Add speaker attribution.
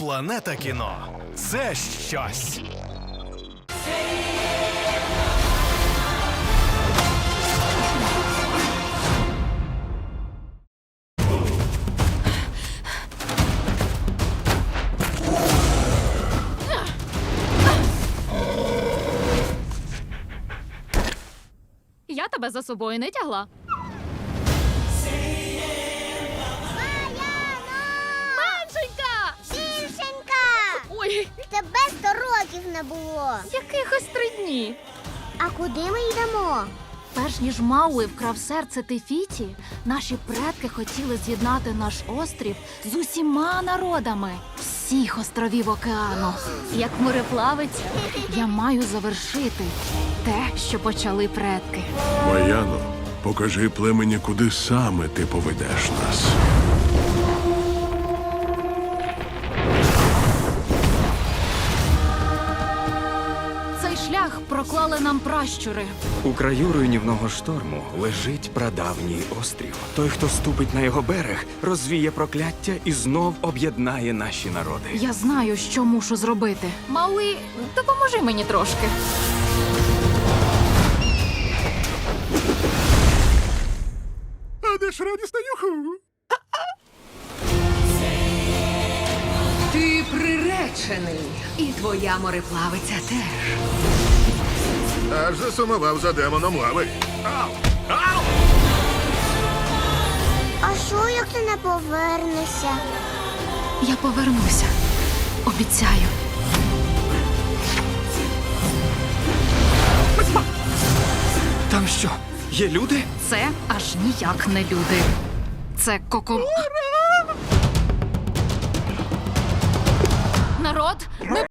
Speaker 1: Планета кіно – це щось.
Speaker 2: Я тебе за собою не тягла. Меншенька!
Speaker 3: Більшенька!
Speaker 2: Ой,
Speaker 3: Тебе 100 років не було.
Speaker 2: якихось 3 дні.
Speaker 3: А куди ми йдемо?
Speaker 2: Перш ніж Мауи вкрав серце Тефіті, наші предки хотіли з'єднати наш острів з усіма народами всіх островів океану. Як мореплавець, я маю завершити те, що почали предки.
Speaker 4: Маяно, покажи племені, куди саме ти поведеш нас.
Speaker 2: Цей шлях проклали нам пращури.
Speaker 5: У краю руйнівного шторму лежить прадавній острів. Той, хто ступить на його берег, розвіє прокляття і знов об'єднає наші народи.
Speaker 2: Я знаю, що мушу зробити. Мауи, допоможи мені трошки.
Speaker 4: А де ж радісна юху?
Speaker 6: Ти приречений, і твоя мореплавиця теж.
Speaker 4: Аж засумував за демоном лави.
Speaker 3: А що, як ти не повернешся?
Speaker 2: Я повернуся. Обіцяю.
Speaker 5: Там що, є люди?
Speaker 2: Це аж ніяк не люди. Це Народ, ми